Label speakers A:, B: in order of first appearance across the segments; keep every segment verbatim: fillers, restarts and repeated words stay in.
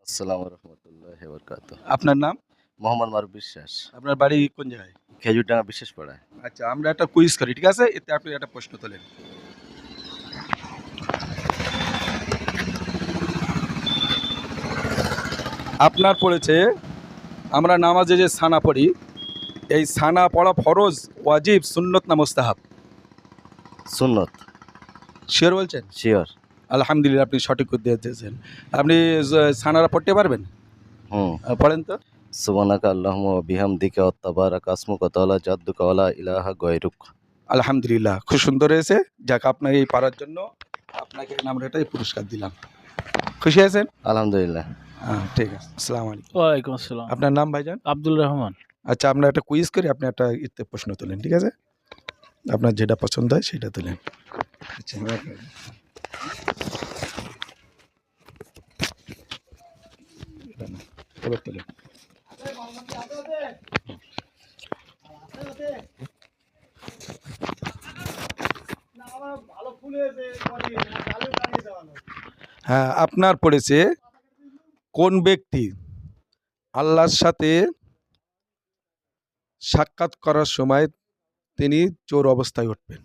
A: আসসালামু রহমতুল্লাহি বারাকাতুহু।
B: আপনার নাম?
A: মোহাম্মদ মারুফ বিশ্বাস।
B: আপনার বাড়ি কোন জায়গায়?
A: খেজুরডাঙ্গা বিশ্বাস পাড়ায়।
B: আচ্ছা, আমরা একটা কুইজ করি, ঠিক আছে? এতে আপনি একটা প্রশ্ন তোলেন। আপনার পড়েছে, আমরা নামাজে যে সানা পড়ি, এই সানা পড়া ফরজ, ওয়াজিব, সুন্নত না মুস্তাহাব?
A: সুন্নত।
B: শিওর বলছেন?
A: শিওর।
B: আলহামদুলিল্লাহ, আপনি সঠিক উত্তর দিয়েছেন। আপনি জ- সানারা পড়তে পারবেন?
A: হুম।
B: আহ, পড়েন তো।
A: সুবহানাকা আল্লাহুম্মা ওয়া বিহামদিকা ওয়া তাবারাকা আসমুকা ওয়া তাআলা জাদ্দুকা ওয়া লা ইলাহা গায়রুক।
B: আলহামদুলিল্লাহ, খুব সুন্দর হয়েছে। যাক, আপনার এই পারার জন্য আপনাকে আমরা এটাই পুরস্কার দিলাম। খুশি আছেন?
A: আলহামদুলিল্লাহ।
B: হ্যাঁ, ঠিক আছে। আসসালামু আলাইকুম।
C: ওয়ালাইকুম আসসালাম।
B: আপনার নাম ভাইজান?
C: আব্দুল রহমান।
B: আচ্ছা, আমরা একটা কুইজ করি, আপনি একটা ইতে প্রশ্ন তোলেন, ঠিক আছে? আপনার যেটা পছন্দ হয় সেটা তোলেন। আচ্ছা, এবার তোলেন। হ্যাঁ, আপনার পড়েছে, কোন ব্যক্তি আল্লাহর সাথে সাক্ষাৎ করার সময় তিনি চোর অবস্থায় উঠবেন?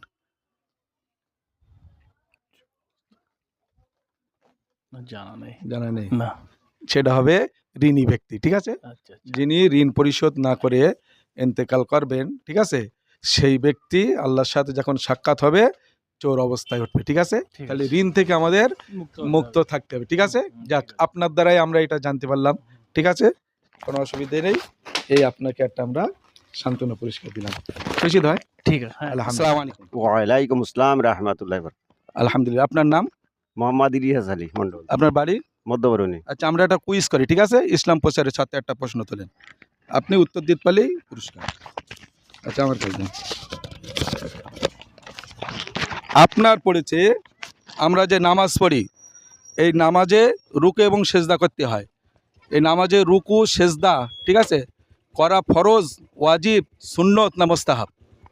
C: জানা নেই।
B: জানা নেই?
C: না।
B: সেটা হবে ঋণী ব্যক্তি, ঠিক আছে?
C: আচ্ছা, আচ্ছা।
B: যিনি ঋণ পরিশোধ না করে ইন্তেকাল করবেন, ঠিক আছে? সেই ব্যক্তি আল্লাহর সাথে যখন সাক্ষাৎ হবে চোর অবস্থায় উঠবে, ঠিক আছে?
C: ঠিক
B: তাহলে
C: আছে।
B: ঋণ থেকে আমাদের
C: মুক্ত
B: মুক্ত
C: হতে হবে।
B: থাকতে হবে, ঠিক আছে?
C: হুম,
B: যাক,
C: ঠিক আছে।
B: আপনার দ্বারাই আমরা এটা জানতে পারলাম, ঠিক আছে? কোনো অসুবিধা নেই। এই আপনাকে একটা আমরা সান্ত্বনা পুরস্কার দিলাম। খুশি হয়?
C: ঠিক আছে। হ্যাঁ।
B: আলহামদুলিল্লাহ। আসসালামু আলাইকুম।
D: ওয়ালাইকুম আসসালাম রহমতুল্লাহ।
B: আলহামদুলিল্লাহ। আপনার নাম?
D: মোহাম্মদ ইলিয়াস আলী মন্ডল,
B: আপনার বাড়ি?
D: মধ্যবরণী।
B: আচ্ছা, আমরা একটা কুইজ করি, ঠিক আছে? ইসলাম প্রচারের সাথে একটা প্রশ্ন তোলেন, আপনি উত্তর দিতে পারলেই পুরস্কার। আচ্ছা, আমার কাছে আপনার পড়েছে, আমরা যে নামাজ পড়ি, এই নামাজে রুকু এবং সেজদা করতে হয়। এই নামাজে রুকু সেজদা, ঠিক আছে, করা ফরজ, ওয়াজিব, সুন্নত না মুস্তাহাব?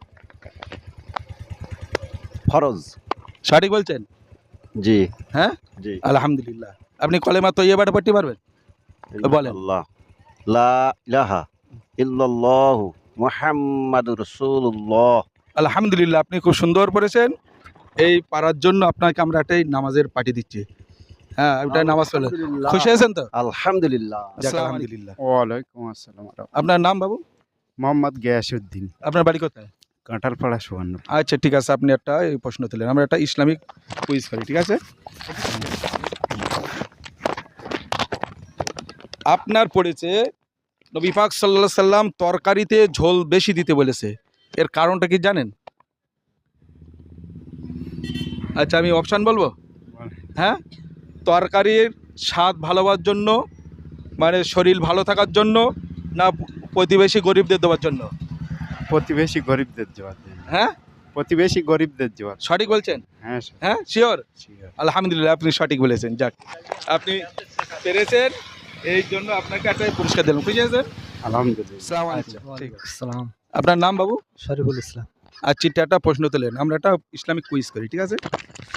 D: ফরজ।
B: সঠিক বলছেন?
D: জি।
B: হ্যাঁ,
D: জি।
B: আলহামদুলিল্লাহ। আপনি কলেমা তৈয়বাটা পড়তে পারবেন? বলেন।
D: আল্লাহ লা ইলাহা ইল্লাল্লাহু মুহাম্মাদুর রাসূলুল্লাহ।
B: আলহামদুলিল্লাহ, আপনি খুব সুন্দর পড়েছেন। এই পারার জন্য আপনাকে আমরা একটাই নামাজের পার্টি দিচ্ছি। হ্যাঁ, ওটাই নামাজ পড়লে
D: আলহামদুলিল্লাহ।
B: খুশি আছেন তো?
D: আলহামদুলিল্লাহ।
B: যাক, আলহামদুলিল্লাহ।
E: ওয়ালাইকুম আসসালাম।
B: আপনার নাম বাবু?
E: মোহাম্মদ গিয়াসউদ্দিন,
B: আপনার বাড়ি কোথায়?
E: কাঁঠালপাড়া সুবর্ণ।
B: আচ্ছা, ঠিক আছে, আপনি একটা এই প্রশ্ন তুলেন, আমরা একটা ইসলামিক কুইজ করি, ঠিক আছে? আপনার পড়েছে, নবী পাক সাল্লাল্লাহু আলাইহি সাল্লাম তরকারিতে ঝোল বেশি দিতে বলেছে, এর কারণটা কি জানেন? আচ্ছা, আমি অপশান বলবো। হ্যাঁ, তরকারির স্বাদ ভালো হওয়ার জন্য, মানে শরীর ভালো থাকার জন্য, না প্রতিবেশী গরিবদের দেওয়ার জন্য?
E: প্রতিবেশী গরিবদের জবাব দেন।
B: হ্যাঁ,
E: প্রতিবেশী গরিবদের জবাব।
B: সঠিক বলছেন?
E: হ্যাঁ
B: হ্যাঁ, শিওর?
E: sure.
B: আলহামদুলিল্লাহ, আপনি সঠিক বলেছেন। যাক, আপনি পেরেছেন, এই জন্য আপনাকে একটা পুরস্কার দিলাম। খুশি আছেন?
E: আলহামদুলিল্লাহ।
B: আসসালামু আলাইকুম। ঠিক আছে।
F: আসসালাম।
B: আপনার নাম বাবু?
F: শরীফুল ইসলাম।
B: আর চিঠি একটা প্রশ্ন তোলেন, আমরা একটা ইসলামিক কুইজ করি, ঠিক আছে?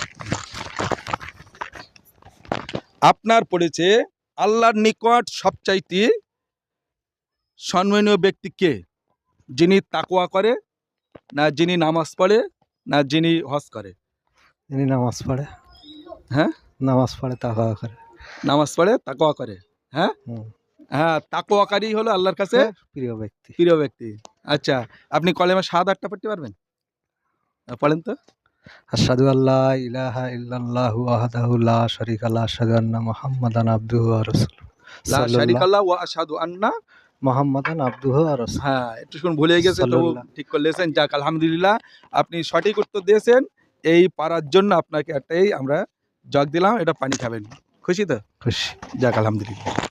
B: আপনার পড়েছে, আল্লাহর নিকট সবচাইতে সম্মানীয় ব্যক্তি কে? যিনি তাকওয়া করে, না যিনি নামাজ পড়ে, না যিনি হজ করে?
F: যিনি নামাজ পড়ে।
B: হ্যাঁ,
F: নামাজ পড়ে তাকওয়া করে।
B: নামাজ পড়ে তাকওয়া করে। হ্যাঁ,
F: হুম।
B: হ্যাঁ, তাকওয়াকারী হলো আল্লাহর কাছে
F: প্রিয় ব্যক্তি।
B: প্রিয় ব্যক্তি। আচ্ছা, আপনি কলেমা শাহাদাতটা পড়তে পারবেন? আহ, পড়েন তো।
F: আশহাদু আল্লা ইলাহা ইল্লাল্লাহু ওয়াহদাহু লা শারীকা লাহু আশহাদু আন্না মুহাম্মাদান আবদুহু ওয়া রাসূলুহু।
B: লা
F: সাল্লাল্লাহু
B: শারিকাল্লাহ ওয়া আশহাদু আন্না।
F: মুহাম্মাদান আবদুহু ওয়া রাসূলুহু।
B: হ্যাঁ, একটু শুন ভুলে গেছে, তো
F: সাল্লাল্লাহ।
B: ঠিক করলেছেন। যাক, আলহামদুলিল্লাহ, আপনি সঠিক উত্তর দিয়েছেন। এই পারার জন্য আপনাকে একটাই আমরা জগ দিলাম, এটা পানি খাবেন। খুশি তো?
F: খুশি।
B: যাক, আলহামদুলিল্লাহ।